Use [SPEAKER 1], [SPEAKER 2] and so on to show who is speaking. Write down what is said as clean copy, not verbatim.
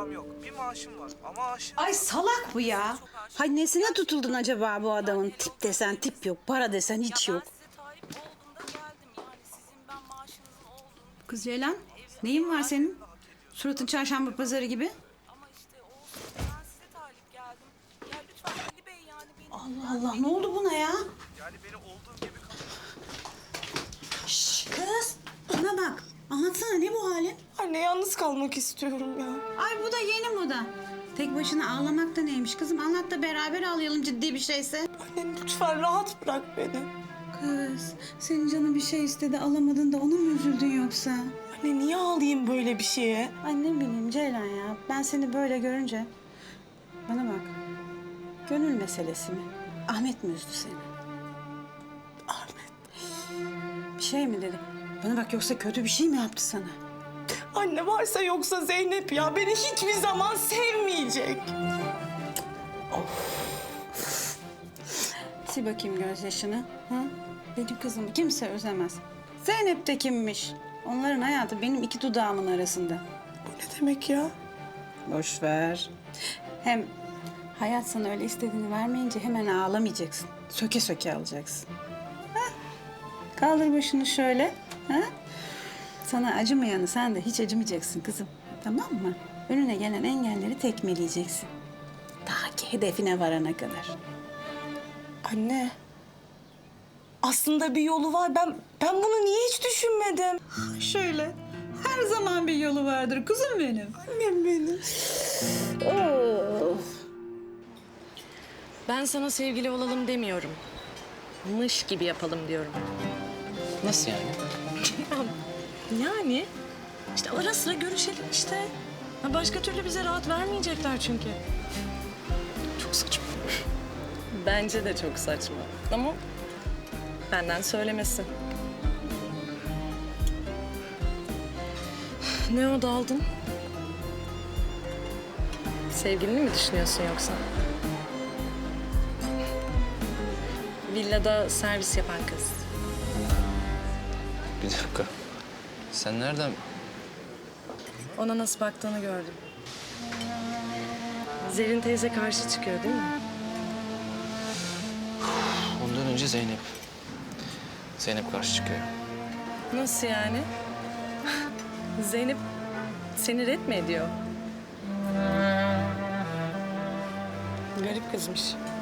[SPEAKER 1] param yok. Bir maaşım var ama aşığım.
[SPEAKER 2] Ay salak bu ya. Hay nesine tutuldun acaba bu adamın? Tip desen tip yok, para desen hiç yok.
[SPEAKER 3] Ben size talip olduğumda geldim. Yani sizin ben maaşınızın olduğunu
[SPEAKER 2] Kız Ceylan, neyin var senin? Suratın çarşamba pazarı gibi.
[SPEAKER 3] ama işte olsun ben size talip geldim. Ya lütfen Ali Bey yani beni...
[SPEAKER 2] Allah Allah, ne oldu buna ya?
[SPEAKER 1] Yani beni olduğum gibi kabul.
[SPEAKER 2] Şş, kız, bana bak. Anlatsana ne bu halin?
[SPEAKER 4] Anne yalnız kalmak istiyorum ya.
[SPEAKER 2] Ay bu da yeni moda. Tek başına ağlamak da neymiş kızım? Anlat da beraber ağlayalım ciddi bir şeyse.
[SPEAKER 4] Anne lütfen rahat bırak beni.
[SPEAKER 2] Kız, senin canın bir şey istedi alamadın da ona mı üzüldün yoksa?
[SPEAKER 4] Anne niye ağlayayım böyle bir şeye?
[SPEAKER 2] Ay ne bileyim Ceylan ya. Ben seni böyle görünce... Bana bak. Gönül meselesi mi? Ahmet mi üzdü seni?
[SPEAKER 4] Ahmet.
[SPEAKER 2] Bir şey mi dedi? Bana bak yoksa kötü bir şey mi yaptı sana?
[SPEAKER 4] Anne varsa yoksa Zeynep ya beni hiçbir zaman sevmeyecek.
[SPEAKER 2] Sil bakayım gözyaşını. Ha? Benim kızımı kimse özlemez. Zeynep de kimmiş? Onların hayatı benim iki dudağımın arasında.
[SPEAKER 4] Bu ne demek ya?
[SPEAKER 2] Boş ver. Hem hayat sana öyle istediğini vermeyince hemen ağlamayacaksın. Söke söke alacaksın. Ha? Kaldır başını şöyle. Ha? Sana acımayanı sen de hiç acımayacaksın kızım. Tamam mı? Önüne gelen engelleri tekmeleyeceksin. Ta ki hedefine varana kadar.
[SPEAKER 4] Anne. Aslında bir yolu var. Ben bunu niye hiç düşünmedim?
[SPEAKER 2] Şöyle. Her zaman bir yolu vardır kuzum benim.
[SPEAKER 4] Annem benim.
[SPEAKER 5] Ben sana sevgili olalım demiyorum. Mış gibi yapalım diyorum.
[SPEAKER 6] Nasıl yani?
[SPEAKER 5] Yani işte ara sıra görüşelim işte. Ha, başka türlü bize rahat vermeyecekler çünkü.
[SPEAKER 6] Çok saçma.
[SPEAKER 5] Bence de çok saçma. Ama benden söylemesi. Ne o daldın? Sevgilini mi düşünüyorsun yoksa? Villada servis yapan kız.
[SPEAKER 6] Bir dakika. Sen nereden...
[SPEAKER 5] Ona nasıl baktığını gördüm. Zerrin teyze karşı çıkıyor değil mi?
[SPEAKER 6] Ondan önce Zeynep. Zeynep karşı çıkıyor.
[SPEAKER 5] Nasıl yani? Zeynep seni ret mi ediyor? Garip kızmış.